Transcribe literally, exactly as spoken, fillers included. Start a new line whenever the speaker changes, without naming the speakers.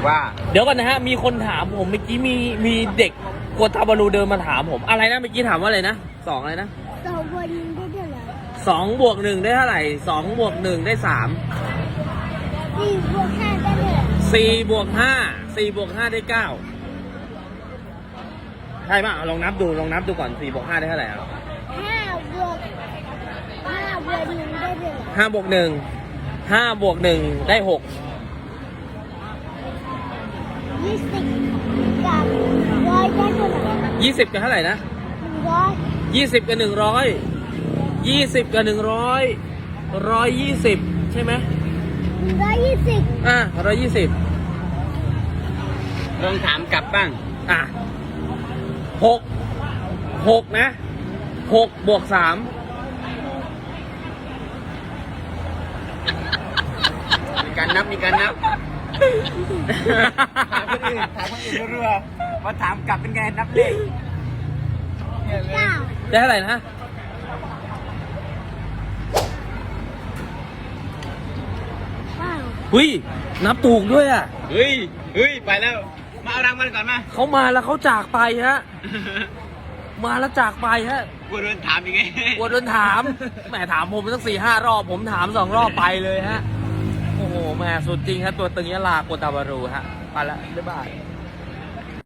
ว่า
เดี๋ยวก่อนนะฮะมีคนถามผมเมื่อกี้มีมีเด็กโกตาบารูเดินมาถามผมอะไรนะเมื่อกี้ถามว่าอะไรนะสองอะไรนะ
สองบนได้เท่าไหร่
สองบวกหนึ่งได้เท่าไหร่สองบวกหนึ่งได้สาม
สี่บวกห้าได้เท่าไหร่
สี่บวกห้าสี่บวกห้าได้เก้าใช่ป่ะลองนับดูลองนับดูก่อนสี่บวกห้าได้เท่าไหร่อ่ะ
ห้าบวกห้าบวกหนึ่งได้เท่าไหร่
ห้าบวกหนึ่งห้าบวกหนึ่งได้หก
ยี่สิบกับร้อยได้เท่าไหร่
ยี่สิบกับเท่าไหร่นะ
หนึ่งร้อย
ยี่สิบกับหนึ่งร้อยยี่สิบกับหนึ่งร้อยร้อยยี่สิบใช่ไหม
หนึ่งร้อยยี่สิบ
อ่ะร้อยยี่สิบ
ลองถามกลับบ้าง
อ่ะหกหกนะหกบวกสาม
มีการนับมีการนับถามคนอื่นถามคนอื่นรัวๆมาถามกลับเป็นไงนับเลข
เก้า
ได้เท่าไหร่นะ
เก้า
หุ้ยนับถูกด้วยอ่ะ
เฮ้ยเฮ้ยไปแล้วมาเอารางวัลก่อนมา
เขามาแล้วเขาจากไปฮะ มาแล้วจากไปฮะ
กลัวโดนถามยังไง
กลัวโดนถามแหมถามผมตั้งสี่ห้ารอบผมถามสองรอบไปเลยฮะ โอ้โหแหมสุดจริงฮะตัวตึงยะลาโกตาบารูฮะไปละบ๊ายบาย